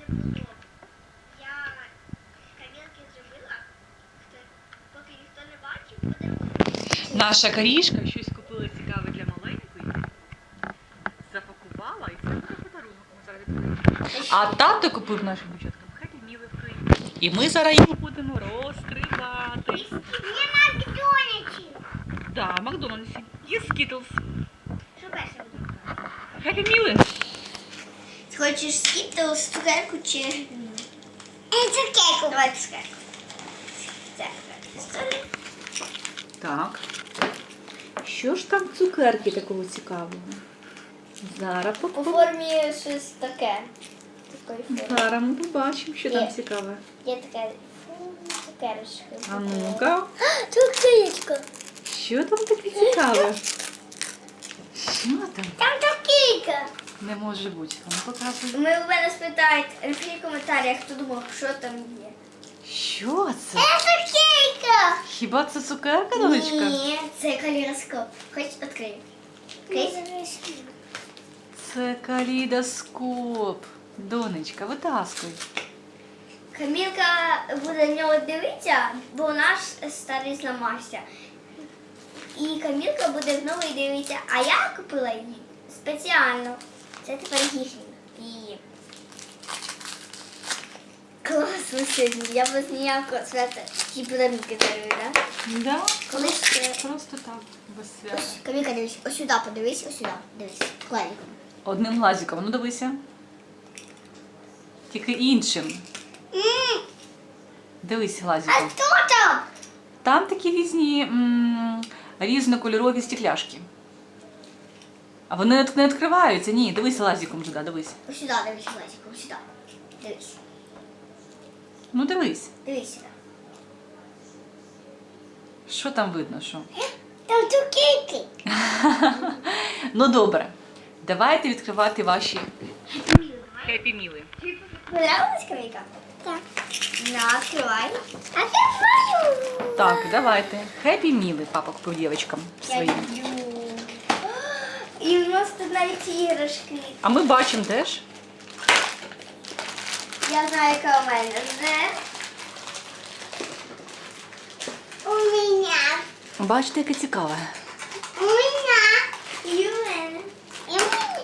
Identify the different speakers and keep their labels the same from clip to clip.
Speaker 1: Я камінки зробила, поки ніхто не бачив, подарунок.
Speaker 2: Наша Карішка щось купила цікаве для маленької. Запакувала і це буде подарунок. Ми зараз відкриємо. А тато купив нашим дівчаткам Happy Meal фрі. І ми зараз його будемо розкривати.
Speaker 1: Є Макдональдсі.
Speaker 2: Так, Макдональдсі. Є Skittles.
Speaker 1: Що перше буде?
Speaker 2: Happy Meal.
Speaker 1: Хочеш скітлс, цукерку чи... Цукерку. Давай цукерку. Це
Speaker 2: Так. Що ж там в цукерки такого цікавого? Зараз
Speaker 1: у формі щось таке. Такої форми.
Speaker 2: Зараз ми побачимо, що там
Speaker 1: Є.
Speaker 2: цікаве.
Speaker 1: Є така цукерочка.
Speaker 2: А ну-ка.
Speaker 1: Цукерочка.
Speaker 2: Що там таке цікаве? Що там?
Speaker 1: Там цукерка.
Speaker 2: Не може бути. А ну показуй.
Speaker 1: Ми у мене спитають, напишіть в коментарях, хто думав, що там є.
Speaker 2: Що це?
Speaker 1: Цукерка.
Speaker 2: Хіба це цукерка, донечка?
Speaker 1: Ні, це калейдоскоп. Хоч відкрию.
Speaker 2: Це калейдоскоп. Донечка, витаскуй.
Speaker 1: Камілка буде в нього дивитися, бо наш старий зламався. І Камілка буде в новий дивитися, а я купила її спеціально. Це тепер її. Класно сьогодні. Я без ніякого свята ті подарунки дарую, так?
Speaker 2: Да?
Speaker 1: Колись це...
Speaker 2: Просто так, без свята.
Speaker 1: Ось, Камілка, дивись, ось сюди подивись, ось сюди. Дивись, клавіком.
Speaker 2: Одним лазиком, ну дивися. Тільки іншим. Дивись
Speaker 1: А
Speaker 2: лазиком.
Speaker 1: хто там?
Speaker 2: Там такі різні різнокольорові стекляшки. А вони не відкриваються. Ні, дивись лазиком туди, дивись.
Speaker 1: Ось сюди, дивись, клавіком, ось сюди. Дивись,
Speaker 2: Ну дивись.
Speaker 1: дивись сюди.
Speaker 2: Що там видно, що?
Speaker 1: Там цукерки.
Speaker 2: Ну добре. Давайте відкривати ваші Happy Meal.
Speaker 1: Понравилась Камілька? Так. На, открывай. Открываю.
Speaker 2: Так, давайте. Happy Meal папа купив дівчаткам
Speaker 1: Я
Speaker 2: своїм.
Speaker 1: люблю. І у нас тут навіть іграшки.
Speaker 2: А ми бачимо теж.
Speaker 1: Я знаю, яка у мене. У мене.
Speaker 2: Бачите, яке цікаве.
Speaker 1: У мене. І у мене. І у мене.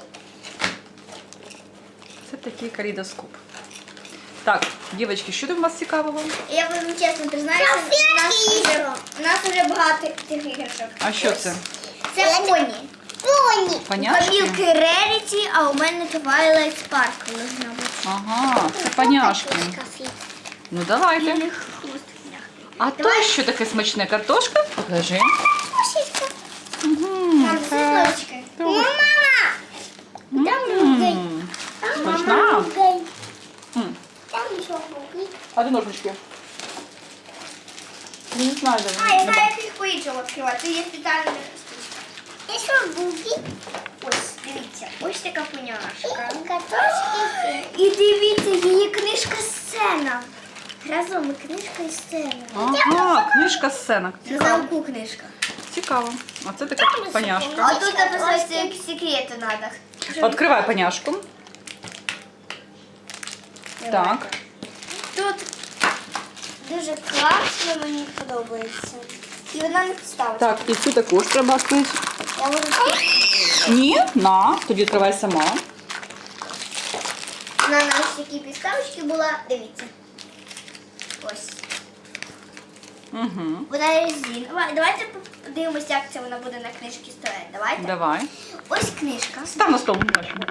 Speaker 2: Це такий калейдоскоп. Так, дівчатки, що там у вас цікавого?
Speaker 1: Я вам чесно признаюся, у нас вже багато цих іграшок.
Speaker 2: А що це?
Speaker 1: Це поні. Поні. У
Speaker 2: Поняшки?
Speaker 1: Камілки Rarity, а у мене Twilight Sparkle должна бути.
Speaker 2: Ага, це паняшки. Ну давайте. А то що таке смачне? Картошка? Покажи.
Speaker 1: Там з листочкою. Мама! Там другий.
Speaker 2: М, Смачна? М.
Speaker 1: Там ще другий.
Speaker 2: А де ножнички? Не знаю, де
Speaker 1: А, я знаю, як їх по-іншому відкривати. Це є спеціальна штучка. І що другий? Ось, дивіться. Ось така поняшка. І дивіться, її книжка-сцена. Разом і книжка і сцена.
Speaker 2: Ага, книжка сцена.
Speaker 1: На замку книжка.
Speaker 2: Цікаво. А це така паняшка.
Speaker 1: А тут написано, які секрети треба.
Speaker 2: Відкривай паняшку. Так.
Speaker 1: Тут дуже класно, мені подобається. І вона не підставиться.
Speaker 2: Так, і цю також треба відкрити.
Speaker 1: Я можу
Speaker 2: Ні, на, тоді відкривай сама.
Speaker 1: на нас такі підставочки була. Дивіться. Ось.
Speaker 2: Угу.
Speaker 1: Вона резинова. Давайте подивимося, як це вона буде на книжці стояти. Давайте.
Speaker 2: Давай.
Speaker 1: Ось книжка.
Speaker 2: Став на стол, не бачимо.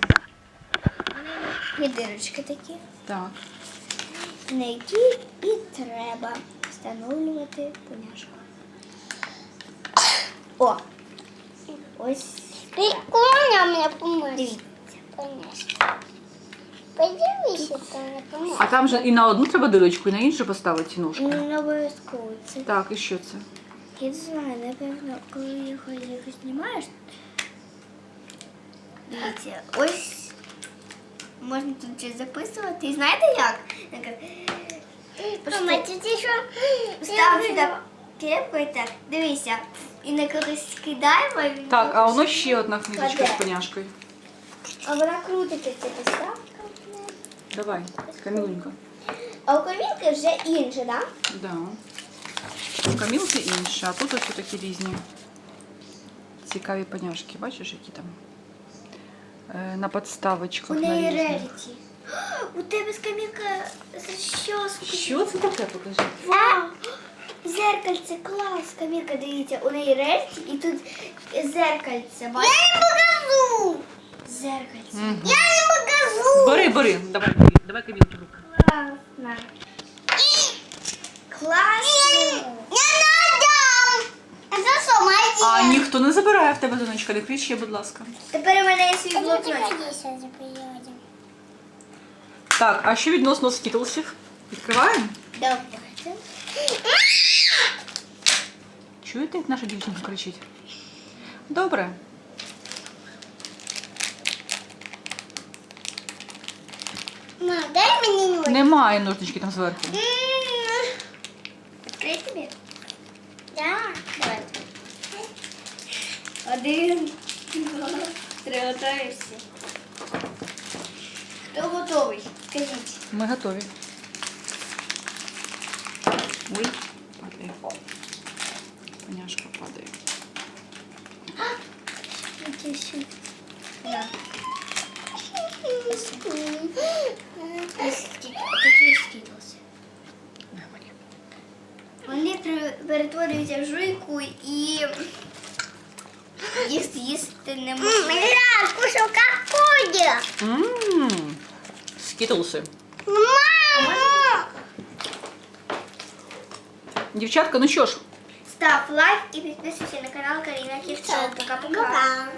Speaker 1: Є дирочки такі,
Speaker 2: Так.
Speaker 1: на які і треба встановлювати поняшку. О! Ось.
Speaker 3: Прикольно мне помочь.
Speaker 1: Дивіться.
Speaker 3: Поняшка. Подивися, то не помочь.
Speaker 2: А там же і на одну треба дирочку, і на іншу поставити ножку.
Speaker 1: Не обов'язково це.
Speaker 2: Так, і що це?
Speaker 1: Я не знаю, напевно, коли його знімаєш. Дивіться, ось можна тут щось записувати. І знаєте як?
Speaker 3: Мама, тут еще...
Speaker 1: Став сюди кепку і так. Дивися. І на когось кидаємо. і він
Speaker 2: Так, а воно ще одна книжечка з
Speaker 1: Кладе.
Speaker 2: поняшкою.
Speaker 1: А вона крутиться, ця підставка.
Speaker 2: Давай, Камілунька.
Speaker 1: А у Камілки вже інше, так?
Speaker 2: Да. У Камілки інше, а тут ось такі різні цікаві поняшки. Бачиш, які там? На подставочках.
Speaker 1: У
Speaker 2: на
Speaker 1: неї
Speaker 2: різних.
Speaker 1: реріті. У тебе з Камілка розчоску.
Speaker 2: Що це таке, покажи?
Speaker 1: Вау! Зеркальце, клас, Камілка, дивіться, у неї рельці і тут зеркальце. Бачите? Я не покажу! Зеркальце. Я не покажу!
Speaker 2: Бери, давай, давай Камілки руку.
Speaker 1: Класно. Класно!
Speaker 3: Не надо! Это сама
Speaker 2: А ніхто не забирає в тебе, донечка, не кричи, будь ласка.
Speaker 1: Тепер у мене є свій блокнот.
Speaker 2: Так, а що відносно скітлсів? Відкриваємо?
Speaker 1: Давайте.
Speaker 2: Чуєте, як наша дівчинка кричить? Добре.
Speaker 3: Ма, дай мне нож.
Speaker 2: Немає ножнички там зверху.
Speaker 1: Відкрий тобі?
Speaker 3: Да.
Speaker 1: Давайте. 1, 2, 3, готуєшся. Хто готовий? Скажіть.
Speaker 2: Ми готові. Ой, падає. Поняшка падає.
Speaker 1: Да. Такі скинулися. Вони перетворюються в жуйку і їх з'їсти не можна.
Speaker 3: Я кушал как кудя.
Speaker 2: Ммм, скітлси.
Speaker 3: Мама!
Speaker 2: Дівчатка, ну що ж,
Speaker 1: Став лайк і підписуйся на канал Каріна Ківчо. Пока-пока.